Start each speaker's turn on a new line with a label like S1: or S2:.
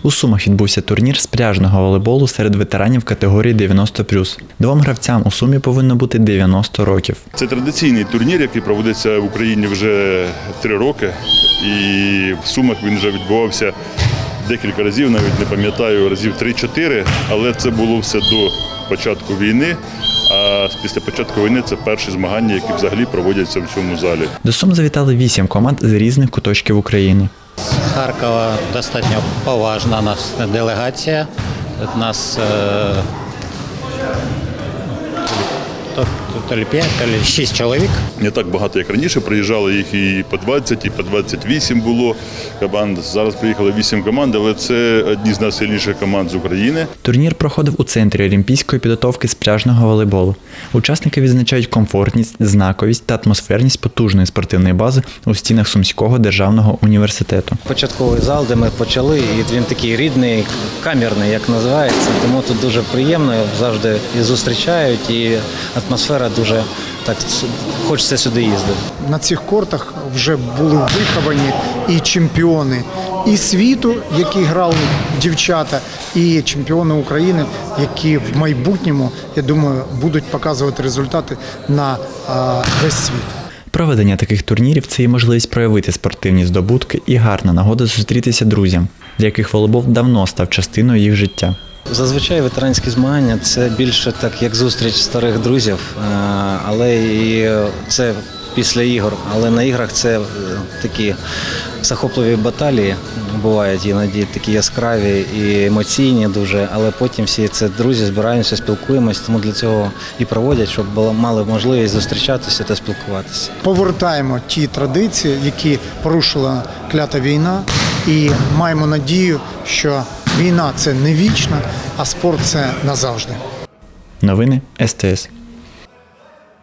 S1: У Сумах відбувся турнір з пляжного волейболу серед ветеранів категорії 90+. Двом гравцям у Сумі повинно бути 90 років.
S2: Це традиційний турнір, який проводиться в Україні вже 3 роки. І в Сумах він вже відбувався декілька разів, навіть не пам'ятаю, разів 3-4, але це було все до початку війни. А після початку війни це перші змагання, які взагалі проводяться в цьому залі.
S1: До Сум завітали 8 команд з різних куточків України.
S3: З Харкова достатньо поважна нас делегація. У нас то ли 5, то ли 6 чоловік.
S2: Не так багато, як раніше. Приїжджали їх і по 20, і по 28 було команд. Зараз приїхало 8 команд, але це одні з найсильніших команд з України.
S1: Турнір проходив у Центрі олімпійської підготовки з пляжного волейболу. Учасники відзначають комфортність, знаковість та атмосферність потужної спортивної бази у стінах Сумського державного університету.
S4: Початковий зал, де ми почали, і він такий рідний, камерний, як називається, тому тут дуже приємно, завжди і зустрічають, і атмосфера дуже так, хочеться сюди їздити.
S5: На цих кортах вже були виховані і чемпіони і світу, які грали дівчата, і чемпіони України, які в майбутньому, я думаю, будуть показувати результати на весь світ.
S1: Проведення таких турнірів – це і можливість проявити спортивні здобутки і гарна нагода зустрітися друзям, для яких волейбол давно став частиною їх життя.
S4: Зазвичай ветеранські змагання – це більше так, як зустріч старих друзів, але і це після ігор. Але на іграх це такі захопливі баталії, бувають іноді такі яскраві і емоційні дуже, але потім всі це друзі, збираємося, спілкуємося, тому для цього і проводять, щоб мали можливість зустрічатися та спілкуватися.
S5: Повертаємо ті традиції, які порушила клята війна, і маємо надію, що війна – це не вічна, а спорт – це назавжди.
S1: Новини СТС.